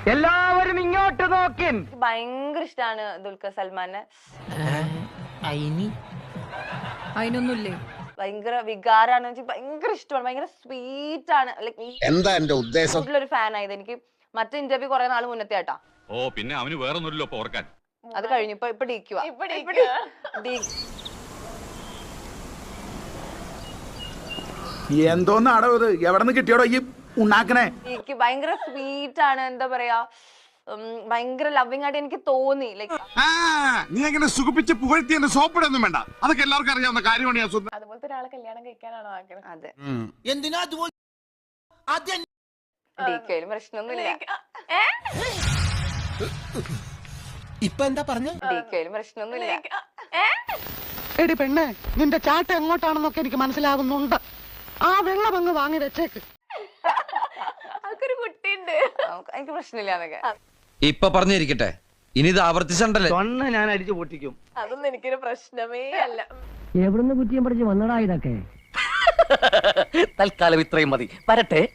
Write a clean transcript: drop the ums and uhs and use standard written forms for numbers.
എല്ലാവരും ഇങ്ങോട്ട് നോക്കി. ഭയങ്കര ഇഷ്ടമാണ് ദുൽഖർ സൽമാനെ. അതിനൊന്നുമില്ലേ? ഭയങ്കര വികാരാണ്, ഭയങ്കര ഇഷ്ടമാണ്, ഭയങ്കര സ്വീറ്റ് ആണ്. എന്താ എന്റെ ഉദ്ദേശം? ഒരു ഫാൻ ആയത് എനിക്ക്. മറ്റേ ഇന്റർവ്യൂ കുറെ നാൾ മുന്നത്തെ ആട്ടാ. ഓ പിന്നെ അവന് വേറൊന്നുമില്ലല്ലോ ഓർക്കാൻ. അത് കഴിഞ്ഞു. ഇപ്പൊ ഡിക്കുക. എന്തോന്നാടോ ഇത്? എവിടെ നിന്ന് കിട്ടിയോടോ ഈ ഉണ്ടാക്കണേ? എനിക്ക് ഭയങ്കര സ്വീറ്റ് ആണ്, എന്താ പറയാ, ഭയങ്കര ലവിങ് ആയിട്ട് എനിക്ക് തോന്നി. ലൈക്ക് നീ അങ്ങനെ സുഖിപ്പിച്ച് പുകഴ്ത്തി എന്നെ സോപ്പിടൊന്നും വേണ്ട, അതൊക്കെ എല്ലാവർക്കും അറിയാവുന്ന കാര്യമാണ്. ഞാൻ അതുപോലത്തെ ഒരാളെ കല്യാണം കഴിക്കാനാണോ ആഗ്രഹം? അതെ. ഡിക്കയിലും പ്രശ്നമൊന്നുമില്ല. ഇപ്പൊ എന്താ പറഞ്ഞു? ഡിക്കയിലും പ്രശ്നമൊന്നുമില്ല. എടി പെണ്ണെ, നിന്റെ ചാട്ട എങ്ങോട്ടാണെന്നൊക്കെ എനിക്ക് മനസ്സിലാവുന്നുണ്ട്. ആ വെള്ളം അങ്ങ് വാങ്ങി വെച്ചേക്ക്. അതൊരു കുട്ടിയുണ്ട്, എനിക്ക് പ്രശ്നമില്ല എന്നൊക്കെ. ഇപ്പൊ പറഞ്ഞിരിക്കട്ടെ, ഇനി ഇത് ആവർത്തിച്ചണ്ടല്ലേ? ഞാൻ അടിച്ചു പൊട്ടിക്കും. അതൊന്നും എനിക്കൊരു പ്രശ്നമേ അല്ല. എവിടുന്ന് കുറ്റിയും പഠിച്ച് വന്നടാ ഇതൊക്കെ? തൽക്കാലം ഇത്രയും മതി. വരട്ടെ.